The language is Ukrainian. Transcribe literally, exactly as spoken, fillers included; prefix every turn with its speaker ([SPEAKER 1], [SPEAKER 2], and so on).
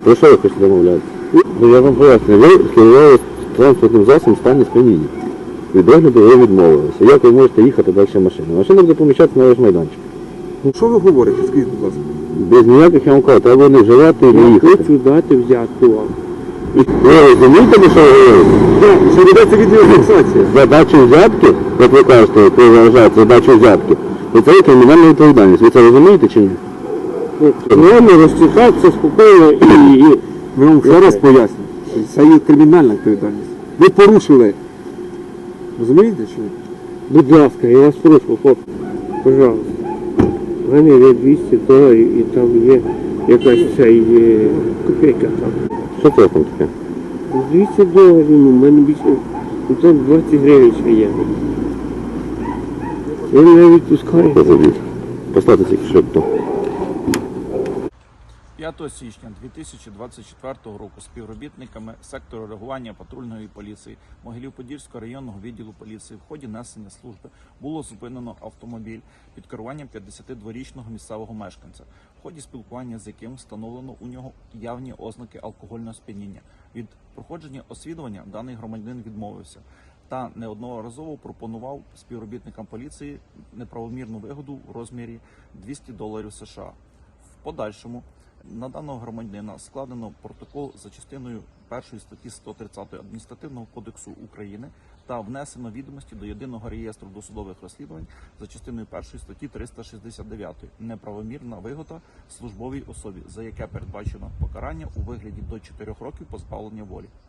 [SPEAKER 1] Про що ви хочете домовлятися? Ну, я вам поясню, ви керували транспортним засобом в стані сп'яніння. Від огляду ви відмовилися. Як ви можете їхати далі машиною? Машина буде поміщатися на ваш майданчик.
[SPEAKER 2] Ну що ви говорите, скажіть, будь ласка?
[SPEAKER 1] Без ніяких, я вам кажу, треба не вживати і не
[SPEAKER 3] Я
[SPEAKER 1] їхати.
[SPEAKER 3] хочу дати взятку вам.
[SPEAKER 1] Ви розумієте, що ви говорите?
[SPEAKER 2] Так, що ведеться відеофіксація.
[SPEAKER 1] Задачу взятки, як ви кажете, як ви вважаєте задачу взятки, і це є кримінальна відповідальність. Ви це розумієте чи ні?
[SPEAKER 3] Нормально розчитатися спокійно і... і-
[SPEAKER 2] Ми вам ще раз пояснюємо, що це є кримінальна відповідальність. Ви порушили. Розумієте, що?
[SPEAKER 3] Будь ласка, я вас прошу, хлопці, пожалуйста. У мене є двісті доларів і там є якась ця є копійка там.
[SPEAKER 1] Що це там таке?
[SPEAKER 3] двісті доларів, ну, в мене більше, ну там двадцять гривень ще є. Ви мене відпускаєте?
[SPEAKER 1] Позабіть. Поставте тільки швидко.
[SPEAKER 4] п'ятого січня дві тисячі двадцять четвертого року співробітниками сектору реагування патрульної поліції Могилів-Подільського районного відділу поліції в ході несення служби було зупинено автомобіль під керуванням п'ятдесятидворічного місцевого мешканця, в ході спілкування з яким встановлено у нього явні ознаки алкогольного сп'яніння. Від проходження освідування даний громадянин відмовився та неодноразово пропонував співробітникам поліції неправомірну вигоду в розмірі двісті доларів США. В подальшому на даного громадянина складено протокол за частиною першої статті сто тридцять Адміністративного кодексу України та внесено відомості до єдиного реєстру досудових розслідувань за частиною першої статті триста шістдесят дев'ять неправомірна вигода службовій особі, за яке передбачено покарання у вигляді до чотирьох років позбавлення волі.